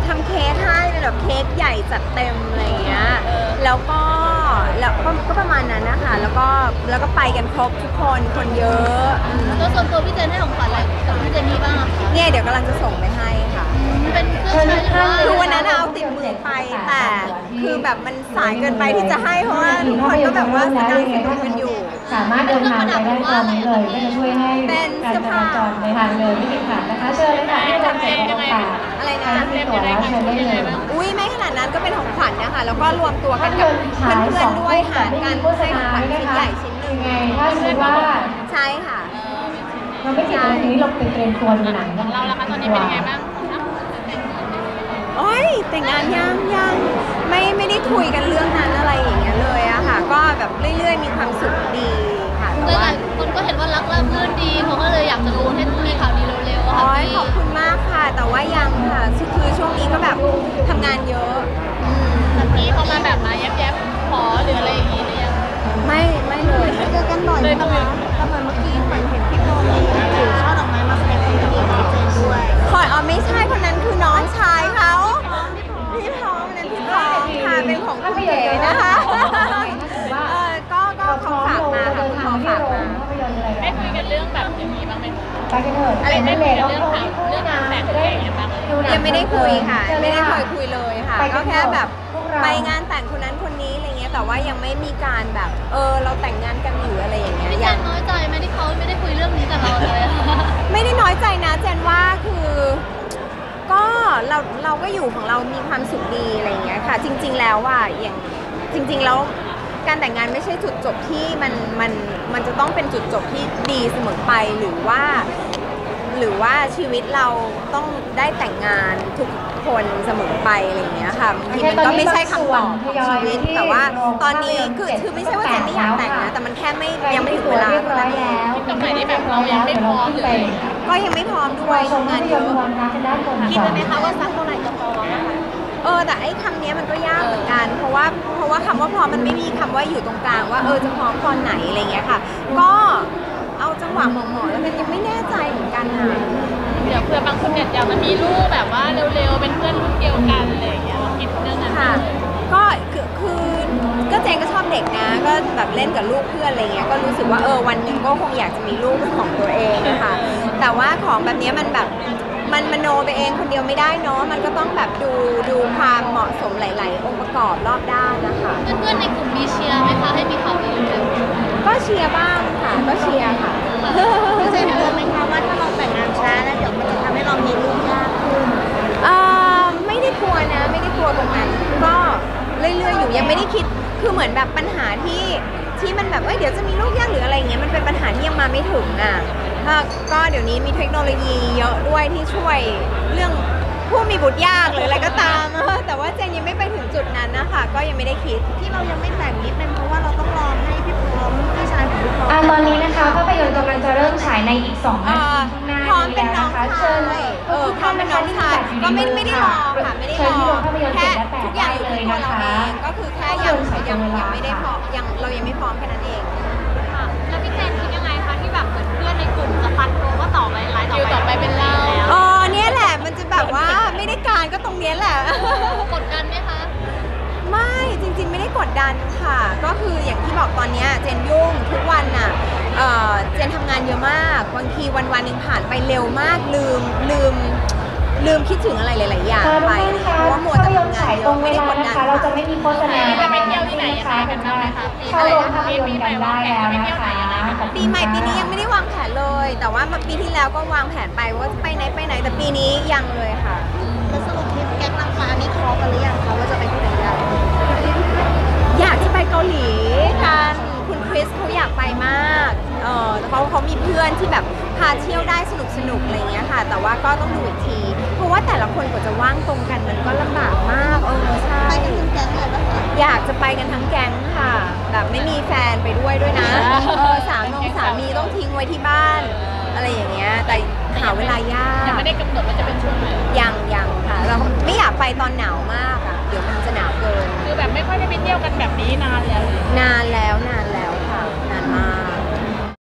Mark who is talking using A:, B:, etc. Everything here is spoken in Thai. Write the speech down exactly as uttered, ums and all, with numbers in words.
A: ทำเค้กให้เป็นแบบเค้กใหญ่จัดเต็มอะไรเงี้ยแล้วก็แล้วก็ก็ประมาณนั้นนะคะแล้วก็แล้วก็ไปกันครบทุกคนคนเยอะ
B: แล้วส่วนตัวพี่เจนให้ของขวัญอะไรกับพี่เจนนี่บ้างอะคะ
A: เนี่ยเดี๋ยวกำลังจะส่งไปให้ค่ะ
B: เป็นเครื่องใช้
A: คือวันนั้นเอาติดมือไปแต่คือแบบมันสายเกินไปที่จะให้เพราะว่าทุกคนก็แบบว่าสกางสนุกกันอยู่
C: สามารถเดินทางไปได้ตรงนี้เลยก็จะช่วยให้การจราจรในทางเดินไม่ติดขัดนะคะเชิญเลยค่ะที่จะเก็บของฝาก
A: อะไรนะ
C: มีตั๋วแล้วเชิญได้เลย
A: อุ้ยไม่ขนาดนั้นก็เป็นของขวัญนะคะแล้วก็รวมตัวกันกับเพื่อนๆด้วยหาการให้ของขวัญชิ้นใหญ่ชิ้นหนึ่ง
C: ไงถ้าสมมติว่า
A: ใช่ค่ะ
C: เราไม่ติดตรงนี้เราไปเตรียมตัวดูหนังกัน
B: เราแล้วคะตอนนี้เป็นยังไงบ้าง
A: โอ้ยแต่งงานยังยังไม่ไม่ได้คุยกันเรื่องนั้นอะไรอย่างเงี้ยเลยอะค่ะก็แบบเรื่อยๆมีความสุขดีค่ะแต่ว่า
B: คนก็เห็นว่ารักราบรื่นดีเขาก็เลยอยากจะรู้ให้มีข่าวดีเร็วๆค่ะ
A: พี่ขอบคุณมากค่ะแต่ว่ายังค่ะคือช่วงนี้ก็แบบทำงานเยอะ
B: พี่เขามาแบบมาแยบๆขอหรืออะไรอย่างงี้หรือยัง
A: ไม่ไม่เลย
B: เจอกันบ่อยเลยนะคะทำไมเมื่อกี้เหมือนเห็นพี่โมมีถือช่อดอกไม้มาแสดงความยินดีกับเจนด้วย
A: คอยอ๋อไม่ใช่คนนั้นคือน้องชายเขาพี่พร้อมนั้นพี่พร้อมค่ะเป็นของคุณเก๋นะคะเออก็ก็เขาฝากมาค่ะคุณพ่อฝากมา
B: ได้คุยกันเรื่องแบบอย่างนี้บ้างไหม
C: ไปกันเถอะ
A: อะไร
C: นั่นเลย
B: เรื่องถามเรื่องงานแต่งอะไรอย่างเงี้ยบ้าง
A: ยังไม่ได้คุยค่ะไม่ได้เคยคุยเลยค่ะก็แค่แบบไปงานแต่งคนนั้นคนนี้อะไรเงี้ยแต่ว่ายังไม่มีการแบบเออเราแต่งงานกันหรืออะไรอย่างเงี้ย
B: พี่เจนน้อยใจไหมที่เขาไม่ได้คุยเรื่องนี้กับเราเลย
A: ไม่ได้น้อยใจนะเจนว่าคือก็เราเราก็อยู่ของเรามีความสุขดีอะไรเงี้ยค่ะจริงๆแล้วว่าอย่างจริงๆแล้วการแต่งงานไม่ใช่จุดจบที่มันมันมันจะต้องเป็นจุดจบที่ดีเสมอไปหรือว่าหรือว่าชีวิตเราต้องได้แต่งงานทุกคนเสมอไปอะไรอย่างเงี้ยค่ะบางทีมันก็ไม่ใช่คำตอบของชีวิตแต่ว่าตอนนี้คือคือไม่ใช่ว่าเจนไม่อยากแต่งนะแต่มันแค่ไม่ยังไม่ถึงเวลาเท่านั้นเอง
B: ตรงไหนที่แบบเรายังไม่พร้อมหรือ
A: ก็ยังไม่พร้อมด้วยทำงานเยอะ
B: คิดไหมคะว่าสักเท่าไหร่จะพอ
A: เออแต่ไอ้คำนี้มันก็ยากเหมือนกันเพราะว่าเพราะว่าคำว่าพร้อมมันไม่มีคำว่าอยู่ตรงกลางว่าเออจะพร้อมตอนไหนอะไรเงี้ยค่ะก็เอาจังหวะเหมาะๆแล้วกันยังไม่แน่ใจเหมือนกันค่ะ
B: เดี๋ยวเพื่อบางคนเนี่ยอยากจะมีลูกแบบว่าเร็วๆเป็นเพื่อนรุ่นเดียวกันอะไรอย่างเงี้ยเราคิดเรื่องนั้น
A: ค่ะก็คือคือก็เจนก็ชอบเด็กนะก็แบบเล่นกับลูกเพื่อนอะไรเงี้ยก็รู้สึกว่าเออวันหนึ่งก็คงอยากจะมีลูกเป็นของตัวเองนะคะแต่ว่าของแบบนี้มันแบบมันมโนไปเองคนเดียวไม่ได้เนาะมันก็ต้องแบบดูดูความเหมาะสมหลายๆองค์ประกอบรอบด้านนะคะ
B: เพื่อนๆในกลุ่มมีเชียร์ไหมคะให้มีข่าวดีเร็ว
A: ก็เชียร์บ้างค่ะก็เชียร์ค่ะ
B: พี่เจนกลัวไหมคะว่าถ้าเราแต่งงานช้าแล้วเดี๋ยวมันจะทำให้เรามีลูกยากขึ้น
A: เอ่อไม่ได้กลัวนะไม่ได้กลัวตรงนั้นก็เรื่อยๆอยู่ยังไม่ได้คิดคือเหมือนแบบปัญหาที่ที่มันแบบเอ้ยเดี๋ยวจะมีลูกยากหรืออะไรเงี้ยมันเป็นปัญหาที่ยังมาไม่ถึงอ่ะก็เดี๋ยวนี้มีเทคโนโลยีเยอะด้วยที่ช่วยเรื่องผู้มีบุตรยากหรืออะไรก็ตามแต่ว่าเจนยังไม่ไปถึงจุดนั้นนะคะก็ยังไม่ได้คิด
B: ที่เรายังไม่แต่งนี้เป็นเพราะว่าเราต้องรอให้พี่พร้อมพี่ชายของพี่พร้อม
C: ตอนนี้นะคะภาพยนตร์กำลังจะเริ่มฉายในอีกสองนาทีข้างหน้า
A: นี้แล้วนะคะเชิญเออพร้อมเป็นน้องชายก็ไม่ไม่ได้รอค่ะไม่ได้รอแค่ทุกอย่างอยู่ที่ตัวเราเองก็คือแค่ยังยังยังไม่ได้พร้อมยังเรายังไม่พร้อมแค่นั้นเอง
B: ค่ะแล้วพี่เจนคิดยังไงคะที่แบบเหมือนเพื่อนในกลุ่มจะฟันโงว่าต่อไปไลน์ต่อไปเป็นเรา
A: อ๋อเนี่ยแหละมันจะแบบว่าไม่ได้การก็ตรงนี้แหละ
B: กดดันไหมคะ
A: ไม่จริงๆไม่ได้กดดันค่ะก็คืออย่างที่บอกตอนนี้เจนยุ่งทุกวันน่ะเอ่อเจนทำงานเยอะมากบางทีวันวันหนึ่งผ่านไปเร็วมากลืมลืมลืมคิดถึงอะไรหลายๆอย่างไปเพราะว่ามัวแต่ทำงานเยอะไม่ได้กดดัน
C: เราจะไม่มีโฆษณา
B: จะไปเที่ยวที่ไหนยังไงกันบ้างไหมคะ
C: เข้าโรงภาพยนตร์กันได้แล้วนะคะ
A: ปีใหม่ปีนี้ยังไม่ได้วางแผนเลยแต่ว่าปีที่แล้วก็วางแผนไปว่าจะไปไหนไปไหนแต่ปีนี้ยังเลยค่ะ
B: แล้วสรุปทริปแก๊งนางฟ้านี้คอกันหรือยังคะว่าจะไปที่ไหนกัน
A: อยากจะไปเกาหลีกันคุณคริสเขาอยากไปมากเออเขาเขามีเพื่อนที่แบบพาเที่ยวได้สนุกสนุกอะไรเงี้ยค่ะแต่ว่าก็ต้องดูอีกทีเพราะว่าแต่ละคนกว่าจะว่างตรงกันมันก็ลำบากมากเออใช่
B: ไปกันทั้งแก๊งเลยนะคะ
A: อยากจะไปกันทั้งแก๊งค่ะแบบไม่มีแฟนไปด้วยด้วยนะเออสามีสามีต้องทิ้งไว้ที่บ้านอะไรอย่างเงี้ยแต่หาเวลายาก
B: ยังไม่ได้กำหนดว่าจะเป็นช่วงไหน
A: ยังยังค่ะเราไม่อยากไปตอนหนาวมากอ่ะเดี๋ยวมันจะหนาวเกิน
B: คือแบบไม่ค่อยได้ไปเที่ยวกันแบบนี้นานแล้ว
A: นานแล้ว